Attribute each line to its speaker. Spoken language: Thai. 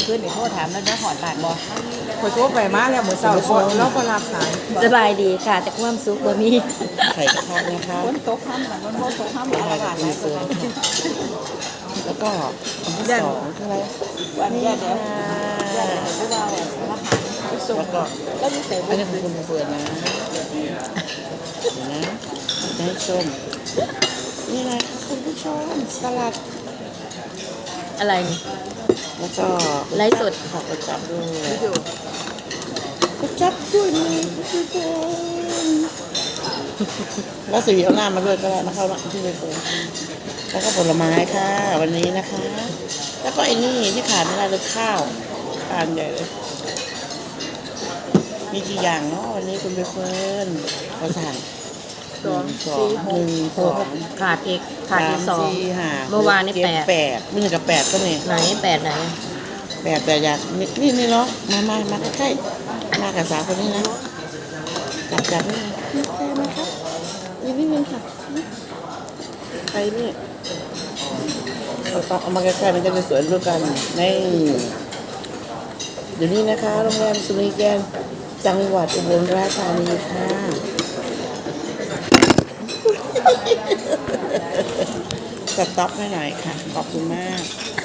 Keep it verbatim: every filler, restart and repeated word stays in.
Speaker 1: ขึ้นเดี๋ยวโทษถามแล้วจะถอนบาทบ่
Speaker 2: ขอโทษไปมาแล้วเหมือนเสาร์ก่อนแล้วก็รับสาย
Speaker 3: สบายดีค่ะแต่ความสุขบ่มี
Speaker 4: ไข่กระทะนะคะ
Speaker 1: ฝนตกค่ำแต่ฝนตกค่ำ
Speaker 4: ไข่
Speaker 1: อะไร
Speaker 4: กั
Speaker 1: บา
Speaker 4: บ
Speaker 1: ท
Speaker 4: คุ
Speaker 1: ไหน
Speaker 4: ณเฟิร์นแล้วก็อันที่สองคืออะไร
Speaker 1: วันนี้เดี๋ยวเดี๋ยวพวกเราอาหารไปส่ง
Speaker 4: แล้วก็
Speaker 1: แล้วมีเส
Speaker 4: อันนี้ของคุณเฟิร์นนะเดี๋ยวนะจะให้ชมนี่อะไรคะคุณผู้ชมสลัด
Speaker 3: อะไรนี่
Speaker 4: แล้วก็
Speaker 3: ไลฟ์สด
Speaker 4: ขอกระจับด้วย
Speaker 1: อยู่
Speaker 4: กระจับด้วยนะคุณผู้ชมแล้วสีเอาหน้ามาด้วยก็ได้นะคะที่เฟิร์นแล้วก็ผลไม้ค่ะ วันนี้นะคะ แล้วก็ไอ้นี่ที่ขาดไม่ได้เลยข้าวทานใหญ่เลย มีกี่อย่างเนาะวันนี้คุณไปเฟิร์นเราสั่ง
Speaker 1: สอง
Speaker 4: สอ
Speaker 1: สี่
Speaker 4: ง
Speaker 1: ห
Speaker 4: ห
Speaker 1: ก
Speaker 4: นึ่งสอง
Speaker 3: ขาดอีกขาดอีกสอง
Speaker 4: สี่ห้า
Speaker 3: เมื่อวานนี่
Speaker 4: จ็
Speaker 3: แปด
Speaker 4: แปดมีหนึ่งกับแปดก็มี
Speaker 3: ไหนแปดไหน
Speaker 4: แปดแต่อยากนี่นี่นี่เนาะมามามาใกล้ๆมากับสาวคนนี้นะจับจับนี่นี่แค่ไหมครับนี่นิดนึงค่ะใครนี่เอาเอาเอามาใกล้ๆมันจะได้สวยด้วยกันนี่เดี๋ยวนี้นะคะโรงแรมสุริแกนจังหวัดอุบลราชธานีค่ะสต็อปให้หน่อยค่ะ ขอบคุณมาก